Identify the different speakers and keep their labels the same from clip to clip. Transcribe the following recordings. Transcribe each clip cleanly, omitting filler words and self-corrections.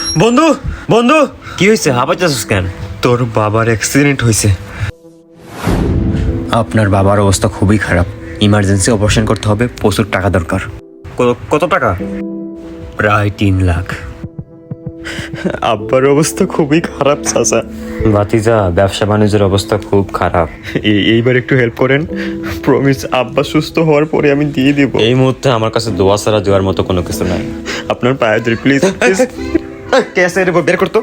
Speaker 1: বন্ধু বন্ধু,
Speaker 2: কি হয়েছে? হাঁপাইতেছিস কেন?
Speaker 1: তোর বাবার অ্যাক্সিডেন্ট হয়েছে।
Speaker 2: আপনার বাবার অবস্থা খুবই খারাপ, ইমার্জেন্সি অপারেশন করতে হবে, প্রচুর টাকা দরকার।
Speaker 1: কত টাকা?
Speaker 2: প্রায় 3 লাখ।
Speaker 1: আব্বার অবস্থা খুবই খারাপ চাচা।
Speaker 2: ভাতিজা, ব্যবসা বাণিজ্যের অবস্থা খুব খারাপ।
Speaker 1: এইবার একটু হেল্প করেন, প্রমিস। আব্বা সুস্থ হওয়ার পরে আমি দিয়ে দিব।
Speaker 2: এই মুহূর্তে আমার কাছে দোয়া ছাড়া দেওয়ার মতো কোনো কিছু নাই।
Speaker 1: আপনার পায়ে ধরে প্লিজ। কেসে বের করতো।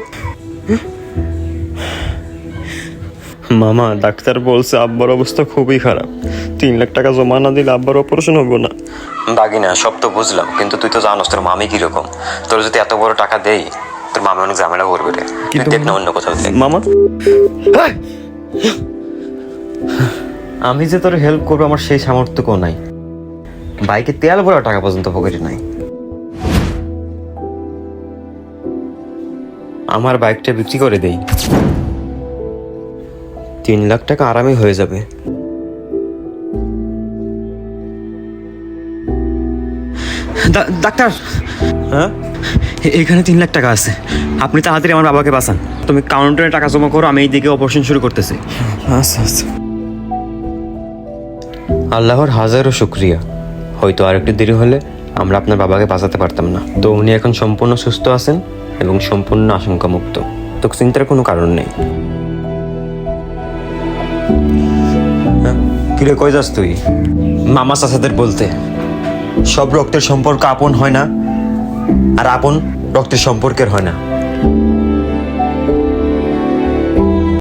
Speaker 1: মামা, ডাক্তার বলছে আব্বার অবস্থা খুবই খারাপ। 3 লাখ টাকা জমা না দিলে আব্বার অপারেশন হবে না।
Speaker 2: দাগিনা, সব তো বুঝলাম, কিন্তু তুই তো জানোস তোর মামি কিরকম। তোর যদি এত বড় টাকা দেই, তোর মামি অনেক ঝামেলা করবে রে। তুই দেখ না অন্য কোথাও দেখ।
Speaker 1: মামা,
Speaker 2: আমি যে তোর হেল্প করবো আমার সেই সামর্থ্যও নাই। বাইকে তেল ভরা টাকা পর্যন্ত পকেটে নাই। আমার বাইকটা বিক্রি করে দেই, 3 লাখ টাকা আরামে হয়ে যাবে।
Speaker 1: ডাক্তার,
Speaker 2: হ্যাঁ,
Speaker 1: এখানে 3 লাখ টাকা আছে। আপনি তাড়াতাড়ি আমার বাবাকে বাঁচান। তুমি কাউন্টারে টাকা জমা করো, আমি এইদিকে অপারেশন শুরু করতেছি।
Speaker 2: আচ্ছা আচ্ছা। আল্লাহর হাজারো শুক্রিয়া, হয়তো আর একটু দেরি হলে আমরা আপনার বাবাকে বাঁচাতে পারতাম না। তো উনি এখন সম্পূর্ণ সুস্থ আছেন এবং সম্পূর্ণ আশঙ্কামুক্ত। তো চিন্তার কোনো কারণ নেই। কিরে, কই যাস তুই? মামা চাচাদের বলতে সব রক্তের সম্পর্ক আপন হয় না, আর আপন রক্তের সম্পর্কের হয় না।